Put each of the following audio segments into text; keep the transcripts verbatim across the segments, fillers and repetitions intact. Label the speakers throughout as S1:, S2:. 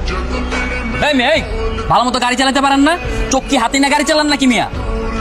S1: এই মেয়ে, এই ভালো মতো গাড়ি চালাতে পারেন না? চোখ কি হাতে না গাড়ি চালান নাকি মিয়া?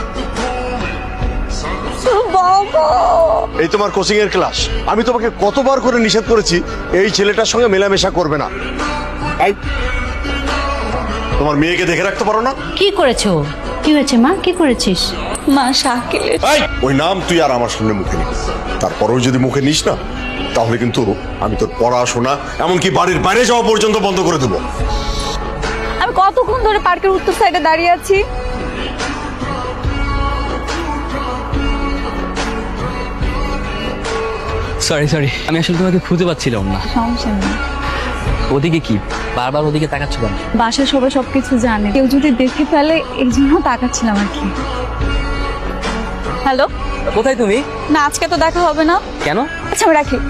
S2: এই তোমার কোচিং এর ক্লাস। আমি তোমাকে কতবার করে নিষেধ করেছি এই ছেলেটার সঙ্গে মেলামেশা করবে না। এই, তোমার মেয়েকে দেখে রাখতে পারো না?
S3: কি করেছো? কি হয়েছে মা? কি করেছিস?
S4: মা শাকিল,
S2: এই, ওই নাম তুই আর আমার সামনে মুখে নিস। তারপরেও যদি মুখে নিস না, তাহলে কিন্তু আমি তোর পড়াশোনা এমনকি বাড়ির বাইরে যাওয়া পর্যন্ত বন্ধ করে দেবো।
S4: আমি কতক্ষণ ধরে পার্কের উত্তর সাইডে দাঁড়িয়ে আছি।
S1: সরি সরি, আমি আসলে তোমাকে খুঁজে পাচ্ছিলাম না।
S4: সমস্যা নেই।
S1: ওদিকে কি বারবার ওদিকে তাকাচ্ছ কেন?
S4: বাসায় সবাই সবকিছু জানে, কেউ যদি দেখে ফেলে এই জন্য তাকাচ্ছিলাম আর কি। হ্যালো,
S1: কোথায় তুমি?
S4: না আজকে তো দেখা হবে না।
S1: কেন?
S4: আচ্ছা আমি রাখি।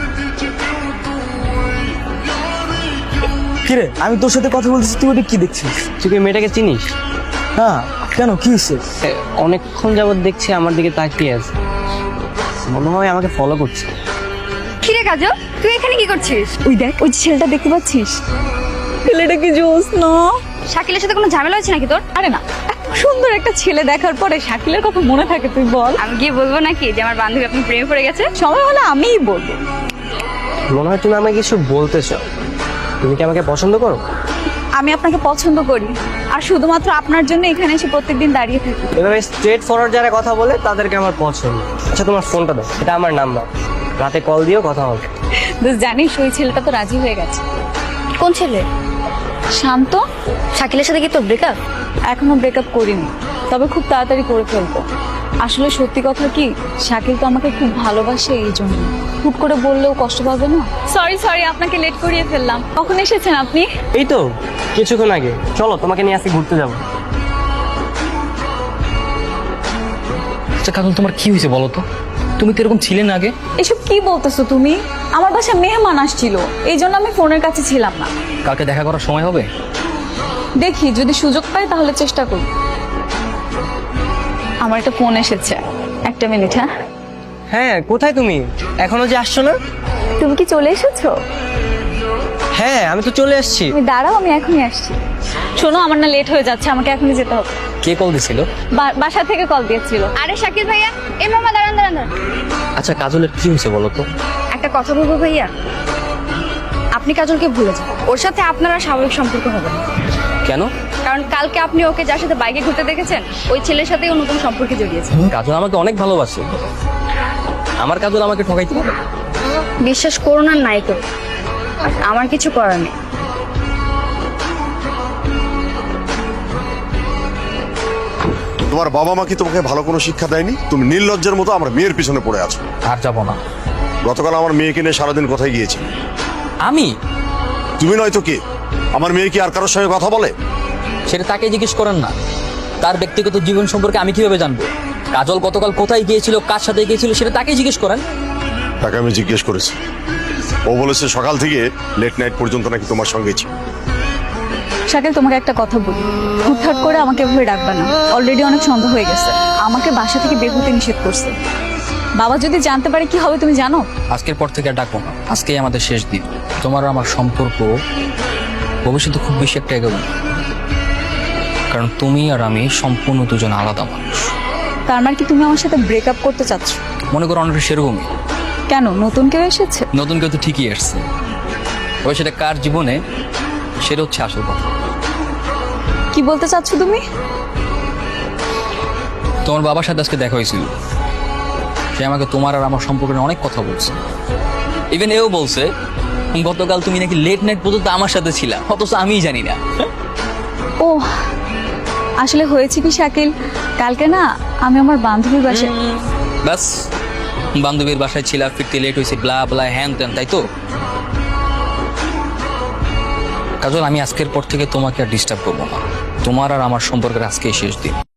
S5: কিরে, আমি তোর সাথে কথা বলতেছি, তুই ওটা কি দেখছিস?
S6: তুই কি মেয়েটাকে চিনিস?
S5: না, কেন, কি হয়েছে?
S6: এ, অনেকক্ষণ যাবত দেখছি আমার দিকে তাকিয়ে আছে, মনে হয় আমাকে ফলো করছে।
S4: কিরে কাজল, তুই এখানে কি করছিস? ওই দেখ, ওই যে ছেলেটা দেখতে পাচ্ছিস? ছেলেটা কি জোস না? শাকিলের সাথে কোনো ঝামেলা হয়েছে নাকি তোর? আরে না, এত সুন্দর একটা ছেলে দেখার পরে শাকিলের কথা মনে থাকে তুই বল? আমি গিয়ে বলবো নাকি যে আমার বান্ধবী আপনি প্রেমে পড়ে গেছে? সময় হলে আমিই বলবো।
S6: মনে হয় তুমি আমাকে কিছু বলতে চাও। তুমি কি আমাকে পছন্দ করো?
S4: আমি আপনাকে পছন্দ করি, আর শুধুমাত্র আপনার জন্য এখানে এসে প্রত্যেকদিন দাঁড়িয়ে থাকি।
S6: এভাবে স্ট্রেট ফরওয়ার্ড যারা কথা বলে তাদেরকে আমার পছন্দ। আচ্ছা তোমার ফোনটা দাও, এটা আমার নাম্বার, রাতে কল দিও, কথা হবে।
S4: বেশ, জানিস ওই ছেলেটা তো রাজি হয়ে গেছে।
S3: কোন ছেলে?
S4: শান্ত।
S3: শাকিলের সাথে কি তোর ব্রেকআপ?
S4: এখনো ব্রেকআপ করিনি, তবে খুব তাড়াতাড়ি করে ফেলবো। আসলে সত্যি কথা কি, শাকিল তো আমাকে খুব ভালোবাসে, এই জন্য হুট করে বললেও কষ্ট পাবে না। সরি সরি, আপনাকে লেট করিয়ে ফেললাম। কখন এসেছেন আপনি?
S6: এই তো কিছুক্ষণ আগে। চলো তোমাকে নিয়ে আজকে ঘুরতে যাবো।
S1: আচ্ছা কাজল, তোমার কি হয়েছে বলো তো? তুমি তো এরকম ছিলে না আগে।
S4: এসব কি বলতেছো তুমি? আমার বাসায় মেহমান আসছিল, এই জন্য আমি ফোনের কাছে ছিলাম না।
S1: কালকে দেখা করার সময় হবে?
S4: দেখি যদি সুযোগ পাই তাহলে চেষ্টা করব। আমার একটা ফোন এসেছে, একটা মিনিট। হ্যাঁ
S6: হ্যাঁ, কোথায় তুমি? এখনো যে আসছো না?
S4: তুমি কি চলে এসেছো?
S6: হ্যাঁ আমি তো চলে এসেছি।
S4: তুমি দাঁড়াও, আমি এখনই আসছি। শোনো, আমার না লেট হয়ে যাচ্ছে, আমাকে এখনই যেতে হবে।
S1: কে কল দিছিল?
S4: বা- বাসা থেকে কল দিয়েছিল। আরে শাকিল ভাইয়া, এই মামা দাঁড়ান দাঁড়ান দাঁড়ান।
S1: আচ্ছা কাজলের কি হয়েছে বলো তো?
S4: একটা কথা বলবো ভাইয়া, আপনি কাজলকে ভুলে যান, ওর সাথে আপনার আর স্বাভাবিক সম্পর্ক হবে না।
S1: কেন?
S4: কারণ কালকে আপনি ওকে যার সাথে বাইকে ঘুরতে দেখেছেন, ওই ছেলের সাথেই ও নতুন সম্পর্কে জড়িয়েছে।
S1: কাজল আমাকে অনেক ভালোবাসে, আমার কাজল আমাকে ঠকাইতে পারে?
S4: বিশ্বাস করুন আর নাই করুন, আমার কিছু করার নেই।
S2: তোমার বাবা মা কি তোমাকে ভালো কোনো শিক্ষা দেয়নি? তুমি নির্লজ্জের মতো আমার মেয়ের পিছনে পড়ে আছো।
S1: আর যাবো না।
S2: গতকাল আমার মেয়েকে নিয়ে সারাদিন কোথায় গিয়েছি?
S1: আমি?
S2: তুমি নয়তো কে? আমার মেয়ে কি আর কারোর সঙ্গে কথা বলে?
S1: সেটা তাকে জিজ্ঞেস করেন না, তার ব্যক্তিগত জীবন সম্পর্কে আমি কিভাবে জানবো? কাজল গতকাল কোথায় গিয়েছিল, কার সাথে গিয়েছিল, সেটা তাকে জিজ্ঞেস করেন।
S2: তাকে আমি জিজ্ঞেস করেছি, ও বলেছে সকাল থেকে লেট নাইট পর্যন্ত নাকি তোমার সঙ্গে ছিল।
S4: শাকিল, তোমাকে একটা কথা বলি, হুটহাট করে আমাকে এভাবে ডাকবে না। অলরেডি অনেক সন্দেহ হয়ে গেছে, আমাকে বাসা থেকে বের হতে নিষেধ করছে। বাবা যদি জানতে পারে কি হবে তুমি জানো?
S1: আজকের পর থেকে আর ডাকবো না, আজকেই আমাদের শেষ দিন। তোমার আর আমার সম্পর্ক ভবিষ্যতে খুব বেশি একটা এগোবে না, কারণ তুমি আর আমি সম্পূর্ণ দুজন আলাদা মানুষ।
S4: তার মানে কি তুমি আমার সাথে ব্রেকআপ করতে চাচ্ছ?
S1: মনে করো অনেকটা সেরকমই।
S4: কেন, নতুন কেউ এসেছে?
S1: নতুন কেউ তো ঠিকই এসছে, তবে সেটা কার জীবনে সেটা হচ্ছে আসল কথা।
S4: কি বলতে চাচ্ছ তুমি?
S1: তোমার বাবার সাথে আজকে দেখা হয়েছিল, সে আমাকে তোমার আর আমার সম্পর্কে নিয়ে অনেক কথা বলছে। ইভেন এও বলছে গতকাল তুমি নাকি লেট নাইট পর্যন্ত আমার সাথে ছিলা, অথচ আমিই জানি না।
S4: ও আসলে হয়েছে কি শাকিল, কালকে না আমি আমার বান্ধবীর বাসায়।
S1: ব্যাস, বান্ধবীর বাসায় ছিলা, ফিরতে লেট হয়েছে, ব্লা ব্লা হ্যান ত্যান, তাই তো? কাজল, আমি আজকের পর থেকে তোমাকে আর ডিস্টার্ব করবো না। তোমার আর আমার সম্পর্কের আজকে শেষ দিন।